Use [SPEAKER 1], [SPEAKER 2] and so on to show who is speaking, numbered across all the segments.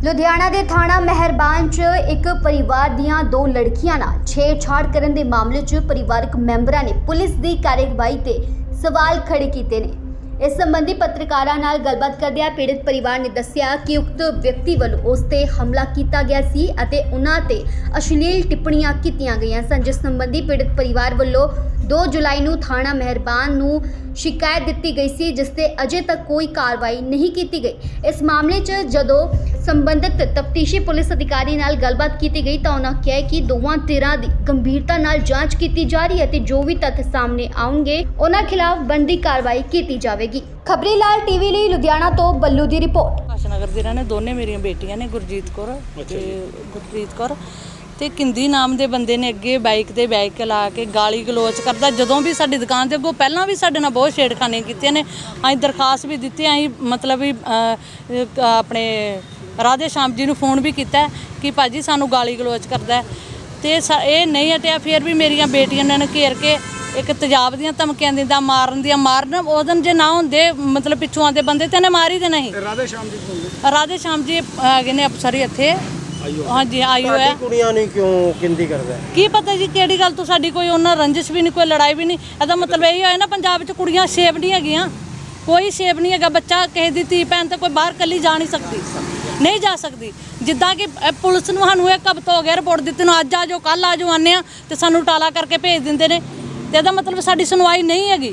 [SPEAKER 1] ਲੁਧਿਆਣਾ ਦੇ ਥਾਣਾ ਮਹਿਰਬਾਨ 'ਚ ਇੱਕ ਪਰਿਵਾਰ ਦੀਆਂ ਦੋ ਲੜਕੀਆਂ ਨਾਲ ਛੇੜਛਾੜ ਕਰਨ ਦੇ ਮਾਮਲੇ 'ਚ ਪਰਿਵਾਰਕ ਮੈਂਬਰਾਂ ਨੇ ਪੁਲਿਸ ਦੀ ਕਾਰਵਾਈ ਤੇ ਸਵਾਲ ਖੜੇ ਕੀਤੇ ਨੇ। ਇਸ ਸੰਬੰਧੀ ਪੱਤਰਕਾਰਾਂ ਨਾਲ ਗੱਲਬਾਤ ਕਰਦਿਆਂ ਪੀੜਤ ਪਰਿਵਾਰ ਨੇ ਦੱਸਿਆ ਕਿ ਉਕਤ ਵਿਅਕਤੀ ਵੱਲੋਂ ਉਸ ਤੇ ਹਮਲਾ ਕੀਤਾ ਗਿਆ ਸੀ ਅਤੇ ਉਹਨਾਂ ਤੇ ਅਸ਼ਲੀਲ ਟਿੱਪਣੀਆਂ ਕੀਤੀਆਂ ਗਈਆਂ ਸਨ, ਜਿਸ ਸੰਬੰਧੀ ਪੀੜਤ ਪਰਿਵਾਰ ਵੱਲੋਂ 2 ਜੁਲਾਈ ਨੂੰ ਥਾਣਾ ਮਹਿਰਬਾਨ ਨੂੰ ਸ਼ਿਕਾਇਤ ਦਿੱਤੀ ਗਈ ਸੀ, ਜਿਸ ਤੇ ਅਜੇ ਤੱਕ ਕੋਈ ਕਾਰਵਾਈ ਨਹੀਂ ਕੀਤੀ ਗਈ। ਇਸ ਮਾਮਲੇ 'ਚ ਜਦੋਂ ਸੰਬੰਧਿਤ ਤਫਤੀਸ਼ੀ ਪੁਲਿਸ ਅਧਿਕਾਰੀ ਨਾਲ ਗੱਲਬਾਤ ਕੀਤੀ ਗਈ ਤਾਂ ਉਹਨਾਂ ਕਿਹਾ ਕਿ ਦੋਵਾਂ ਧਿਰਾਂ ਦੀ ਗੰਭੀਰਤਾ ਨਾਲ ਜਾਂਚ ਕੀਤੀ ਜਾ ਰਹੀ ਹੈ ਤੇ ਜੋ ਵੀ ਤੱਥ ਸਾਹਮਣੇ ਆਉਣਗੇ ਉਹਨਾਂ ਖਿਲਾਫ ਬਣਦੀ ਕਾਰਵਾਈ ਕੀਤੀ ਜਾਵੇਗੀ। ਖਬਰੀ ਲਾਲ ਟੀਵੀ ਲਈ ਲੁਧਿਆਣਾ ਤੋਂ ਬੱਲੂ ਦੀ ਰਿਪੋਰਟ।
[SPEAKER 2] ਨਗਰ ਦੇ ਰਹਿਣੇ ਦੋਨੇ ਮੇਰੀਆਂ ਬੇਟੀਆਂ ਨੇ, ਗੁਰਜੀਤ ਕੌਰ ਤੇ ਗੁਰਪ੍ਰੀਤ ਕੌਰ ਤੇ ਕਿੰਦੀ ਨਾਮ ਦੇ ਬੰਦੇ ਨੇ ਅੱਗੇ ਬਾਈਕ ਤੇ ਬੈਕ ਲਾ ਕੇ ਗਾਲੀ ਗਲੋਚ ਕਰਦਾ। ਜਦੋਂ ਵੀ ਸਾਡੀ ਦੁਕਾਨ ਦੇ ਅੱਗੋਂ ਪਹਿਲਾਂ ਵੀ ਸਾਡੇ ਨਾਲ ਬਹੁਤ ਛੇੜਖਾਨੀਆਂ ਕੀਤੀਆਂ ਨੇ। ਅਸੀਂ ਦਰਖਾਸਤ ਵੀ ਦਿੱਤੀ, ਅਸੀਂ ਮਤਲਬ ਵੀ ਆਪਣੇ ਰਾਧੇ ਸ਼ਾਮ ਜੀ ਨੂੰ ਫੋਨ ਵੀ ਕੀਤਾ ਕਿ ਭਾਜੀ ਸਾਨੂੰ ਗਾਲੀ ਗਲੋਚ ਕਰਦਾ ਤੇ ਇਹ ਨਹੀਂ ਹਟਿਆ। ਫਿਰ ਵੀ ਮੇਰੀਆਂ ਬੇਟੀਆਂ ਨੇ ਘੇਰ ਕੇ ਇੱਕ ਤੇਜ਼ਾਬ ਦੀਆਂ ਧਮਕੀਆਂ ਦਿੰਦਾ, ਮਾਰਨ ਉਹ ਦਿਨ ਜੇ ਨਾ ਹੁੰਦੇ ਮਤਲਬ ਪਿੱਛੋਂ ਆਉਂਦੇ ਬੰਦੇ ਤੇ ਇਹਨੇ ਮਾਰ ਹੀ ਦੇਣਾ ਸੀ। ਰਾਧੇ ਸ਼ਾਮ ਜੀ ਹੈਗੇ ਨੇ ਅਫਸਰ ਇੱਥੇ। ਹਾਂਜੀ ਆਇਓ ਹੈ।
[SPEAKER 3] ਕੁੜੀਆਂ ਨਹੀਂ ਕਿਉਂ ਕਿੰਦੀ ਕਰਦਾ
[SPEAKER 2] ਕੀ ਪਤਾ ਜੀ ਕਿਹੜੀ ਗੱਲ ਤੋਂ ਸਾਡੀ ਕੋਈ ਉਹਨਾਂ ਰੰਜਿਸ਼ ਵੀ ਨਹੀਂ, ਕੋਈ ਲੜਾਈ ਵੀ ਨਹੀਂ। ਇਹਦਾ ਮਤਲਬ ਇਹ ਹੋਇਆ ਨਾ ਪੰਜਾਬ 'ਚ ਕੁੜੀਆਂ ਸੇਫ ਨਹੀਂ ਹੈਗੀਆਂ, ਕੋਈ ਸੇਫ ਨਹੀਂ ਹੈਗਾ। ਬੱਚਾ ਕਿਸੇ ਦੀ ਧੀ ਭੈਣ ਤੇ ਕੋਈ ਬਾਹਰ ਕੱਲੀ ਜਾ ਨਹੀਂ ਸਕਦੀ, ਨਹੀਂ ਜਾ ਸਕਦੀ। ਜਿੱਦਾਂ ਕਿ ਪੁਲਿਸ ਨੂੰ ਸਾਨੂੰ ਇੱਕ ਹਫ਼ਤਾ ਹੋ ਗਿਆ ਰਿਪੋਰਟ ਦਿੱਤੀ ਨੂੰ, ਅੱਜ ਆ ਜਾਓ ਕੱਲ੍ਹ ਆ ਜਾਓ ਆਉਂਦੇ ਆ ਤੇ ਸਾਨੂੰ ਟਾਲਾ ਕਰਕੇ ਭੇਜ ਦਿੰਦੇ ਨੇ ਤੇ ਇਹਦਾ ਮਤਲਬ ਸਾਡੀ ਸੁਣਵਾਈ ਨਹੀਂ ਹੈਗੀ।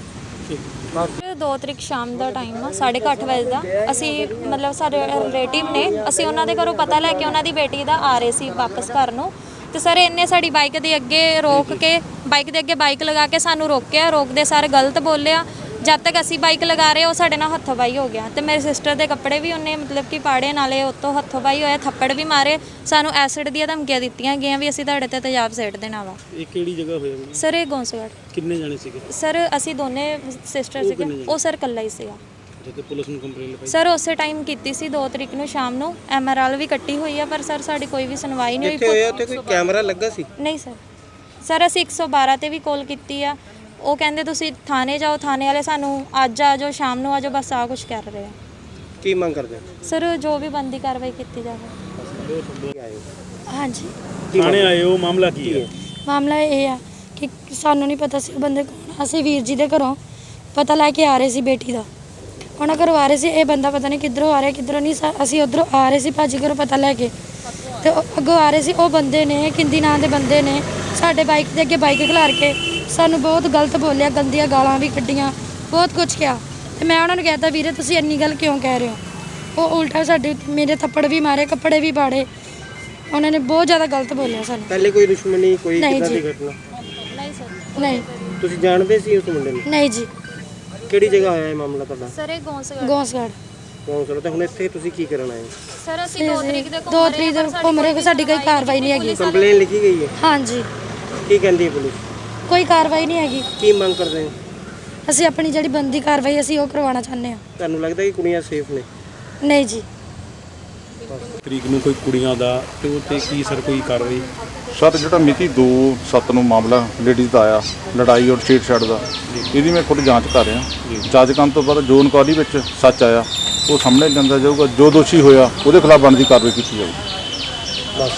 [SPEAKER 4] 2 ਤਰੀਕ ਸ਼ਾਮ ਦਾ ਟਾਈਮ ਆ 8:30 ਵਜੇ ਦਾ। ਅਸੀਂ ਮਤਲਬ ਸਾਡੇ ਰਿਲੇਟਿਵ ਨੇ, ਅਸੀਂ ਉਹਨਾਂ ਦੇ ਘਰੋਂ ਪਤਾ ਲੈ ਕੇ ਉਹਨਾਂ ਦੀ ਬੇਟੀ ਦਾ ਆ ਰਹੇ ਸੀ ਵਾਪਸ ਘਰ ਨੂੰ ਤੇ ਸਰ ਇਹਨੇ ਸਾਡੀ ਬਾਈਕ ਦੇ ਅੱਗੇ ਰੋਕ ਕੇ ਬਾਈਕ ਦੇ ਅੱਗੇ ਬਾਈਕ ਲਗਾ ਕੇ ਸਾਨੂੰ ਰੋਕਿਆ। ਰੋਕਦੇ ਸਾਰੇ ਗਲਤ ਬੋਲਿਆ। ਜਦ ਤੱਕ ਅਸੀਂ ਬਾਈਕ ਲਗਾ ਰਹੇ ਉਹ ਸਾਡੇ ਨਾਲ ਹੱਥੋਂ-ਬਾਈ ਹੋ ਗਿਆ ਤੇ ਮੇਰੇ ਸਿਸਟਰ ਦੇ ਕੱਪੜੇ ਵੀ ਉਹਨੇ ਮਤਲਬ ਕਿ ਪਾੜੇ, ਨਾਲੇ ਉੱਤੋਂ ਹੱਥੋਂ-ਬਾਈ ਹੋਇਆ, ਥੱਪੜ ਵੀ ਮਾਰੇ। ਸਾਨੂੰ ਐਸਿਡ ਦੀਆਂ ਧਮਕੀਆਂ ਦਿੱਤੀਆਂ ਗਈਆਂ ਵੀ ਅਸੀਂ ਤੁਹਾਡੇ ਤੇ ਤੇਜ਼ਾਬ ਸੇਟ ਦੇਣਾ ਵਾ।
[SPEAKER 3] ਇਹ ਕਿਹੜੀ ਜਗ੍ਹਾ ਹੋਇਆ
[SPEAKER 4] ਸਰ ਇਹ ਗੌਂਸਗੜ੍ਹ।
[SPEAKER 3] ਕਿੰਨੇ ਜਾਣੇ ਸੀਗੇ
[SPEAKER 4] ਸਰ ਅਸੀਂ ਦੋਨੇ ਸਿਸਟਰ ਸੀਗੇ, ਉਹ ਸਰ ਇਕੱਲਾ ਹੀ ਸੀਗਾ।
[SPEAKER 3] ਤੇ ਪੁਲਿਸ ਨੂੰ ਕੰਪਲੇਂਟ ਲਿਖਾਈ
[SPEAKER 4] ਸਰ ਉਸੇ ਟਾਈਮ ਕੀਤੀ ਸੀ 2 ਤਰੀਕ ਨੂੰ ਸ਼ਾਮ ਨੂੰ। ਐਮਆਰਐਲ ਵੀ ਕੱਟੀ ਹੋਈ ਆ ਪਰ ਸਰ ਸਾਡੀ ਕੋਈ ਵੀ ਸੁਣਵਾਈ ਨਹੀਂ
[SPEAKER 3] ਕਿੱਥੇ ਹੋਇਆ? ਉੱਥੇ ਕੋਈ ਕੈਮਰਾ ਲੱਗਾ ਸੀ?
[SPEAKER 4] ਨਹੀਂ ਸਰ ਅਸੀਂ 112 ਤੇ ਵੀ ਕਾਲ ਕੀਤੀ ਆ। ਉਹ ਕਹਿੰਦੇ ਤੁਸੀਂ ਥਾਣੇ ਜਾਓ, ਥਾਣੇ ਵਾਲੇ ਸਾਨੂੰ ਅੱਜ ਆ ਜਾਓ, ਸ਼ਾਮ ਨੂੰ ਆ ਜਾਓ, ਬਸ ਆ ਕੁਝ ਕਰ ਰਹੇ ਆ।
[SPEAKER 3] ਕੀ ਮੰਗ ਕਰਦੇ
[SPEAKER 4] ਸਰ ਜੋ ਵੀ ਬੰਦੀ ਕਾਰਵਾਈ ਕੀਤੀ ਜਾਵੇ। ਹਾਂਜੀ
[SPEAKER 3] ਥਾਣੇ ਆਏ ਹੋ, ਮਾਮਲਾ ਕੀ ਹੈ?
[SPEAKER 5] ਮਾਮਲਾ ਇਹ ਆ ਕਿ ਸਾਨੂੰ ਨਹੀਂ ਪਤਾ ਸੀ ਉਹ ਬੰਦੇ ਕੌਣ। ਅਸੀਂ ਵੀਰ ਜੀ ਦੇ ਘਰੋਂ ਪਤਾ ਲੈ ਕੇ ਆ ਰਹੇ ਸੀ ਬੇਟੀ ਦਾ, ਉਹਨਾਂ ਘਰੋਂ ਆ ਰਹੇ ਸੀ। ਇਹ ਬੰਦਾ ਪਤਾ ਨਹੀਂ ਕਿੱਧਰੋਂ ਆ ਰਿਹਾ ਕਿੱਧਰੋਂ ਨਹੀਂ। ਅਸੀਂ ਉੱਧਰੋਂ ਆ ਰਹੇ ਸੀ ਭਾਜੀ ਘਰੋਂ ਪਤਾ ਲੈ ਕੇ ਤੇ ਅੱਗੋਂ ਆ ਰਹੇ ਸੀ। ਉਹ ਬੰਦੇ ਨੇ, ਕਿੰਦੀ ਨਾਂ ਦੇ ਬੰਦੇ ਨੇ, ਸਾਡੇ ਬਾਈਕ ਦੇ ਅੱਗੇ ਬਾਈਕ ਖਿਲਾਰ ਕੇ ਸਾਨੂੰ ਬਹੁਤ ਗਲਤ ਬੋਲਿਆ, ਗੰਦੀਆਂ ਗਾਲਾਂ ਵੀ ਕੱਢੀਆਂ, ਬਹੁਤ ਕੁਝ ਕਿਹਾ। ਤੇ ਮੈਂ ਉਹਨਾਂ ਨੂੰ ਕਹਿਤਾ ਵੀਰੇ ਤੁਸੀਂ ਇੰਨੀ ਗੱਲ ਕਿਉਂ ਕਹਿ ਰਹੇ ਹੋ। ਉਹ ਉਲਟਾ ਸਾਡੇ ਮੇਰੇ ਥੱਪੜ ਵੀ ਮਾਰੇ, ਕੱਪੜੇ ਵੀ ਪਾੜੇ। ਉਹਨਾਂ ਨੇ ਬਹੁਤ ਜ਼ਿਆਦਾ ਗਲਤ ਬੋਲਿਆ ਸਾਨੂੰ।
[SPEAKER 3] ਪਹਿਲੇ ਕੋਈ ਦੁਸ਼ਮਣੀ, ਕੋਈ
[SPEAKER 4] ਨਹੀਂ
[SPEAKER 3] ਕਿੱਦਾਂ ਦੀ
[SPEAKER 4] ਜੀ।
[SPEAKER 3] ਘਟਨਾ?
[SPEAKER 4] ਨਹੀਂ ਸਰ।
[SPEAKER 5] ਨਹੀਂ
[SPEAKER 3] ਤੁਸੀਂ ਜਾਣਦੇ ਸੀ ਉਸ ਮੁੰਡੇ ਨੂੰ?
[SPEAKER 5] ਨਹੀਂ ਜੀ।
[SPEAKER 3] ਕਿਹੜੀ ਜਗ੍ਹਾ ਹੋਇਆ ਇਹ ਮਾਮਲਾ ਤੁਹਾਡਾ?
[SPEAKER 4] ਸਰ ਇਹ ਗੌਂਸਗੜ੍ਹ।
[SPEAKER 3] ਕੌਣ ਸਰ? ਤੇ ਹੁਣ ਇੱਥੇ ਤੁਸੀਂ ਕੀ ਕਰਨ ਆਏ?
[SPEAKER 4] ਸਰ ਅਸੀਂ 2 ਤਰੀਕ ਦੇ
[SPEAKER 5] ਘੁੰਮ ਰਹੇ, ਸਾਡੀ ਕੋਈ ਕਾਰਵਾਈ ਨਹੀਂ ਹੈਗੀ।
[SPEAKER 3] ਕੰਪਲੇਂਟ ਲਿਖੀ ਗਈ ਹੈ?
[SPEAKER 5] ਹਾਂਜੀ।
[SPEAKER 3] ਕੀ ਕਹਿੰਦੀ ਹੈ ਪੁਲਿਸ?
[SPEAKER 5] ਕੋਈ ਕਾਰਵਾਈ ਨਹੀਂ ਹੈਗੀ।
[SPEAKER 3] ਕੀ ਮੰਗ ਕਰਦੇ ਹੋ?
[SPEAKER 5] ਅਸੀਂ ਆਪਣੀ ਜਿਹੜੀ ਬੰਦੀ ਕਾਰਵਾਈ ਅਸੀਂ ਉਹ ਕਰਵਾਉਣਾ ਚਾਹੁੰਦੇ ਹਾਂ।
[SPEAKER 3] ਤੁਹਾਨੂੰ ਲੱਗਦਾ ਕਿ ਕੁੜੀਆਂ ਸੇਫ ਨੇ?
[SPEAKER 5] ਨਹੀਂ ਜੀ।
[SPEAKER 6] ਤਰੀਕ ਨੂੰ ਕੋਈ ਕੁੜੀਆਂ ਦਾ ਤੇ ਉਹ ਤੇ ਕੀ ਸਰ ਕੋਈ ਕਾਰਵਾਈ?
[SPEAKER 7] ਸਰ ਜਿਹੜਾ ਮਿਤੀ 2/7 ਨੂੰ ਮਾਮਲਾ ਲੇਡੀਜ਼ ਦਾ ਆਇਆ, ਲੜਾਈ ਔਰ ਛੇੜਛਾੜ ਦਾ, ਇਹਦੀ ਮੈਂ ਖੁਦ ਜਾਂਚ ਕਰ ਰਿਹਾ। ਜਾਂਚ ਕਰਨ ਤੋਂ ਬਾਅਦ ਜੋ ਇਨਕੁਆਇਰੀ ਵਿੱਚ ਸੱਚ ਆਇਆ ਉਹ ਸਾਹਮਣੇ ਲਿਆਂਦਾ ਜਾਊਗਾ। ਜੋ ਦੋਸ਼ੀ ਹੋਇਆ ਉਹਦੇ ਖਿਲਾਫ ਬਣਦੀ ਕਾਰਵਾਈ ਕੀਤੀ ਜਾਊਗੀ।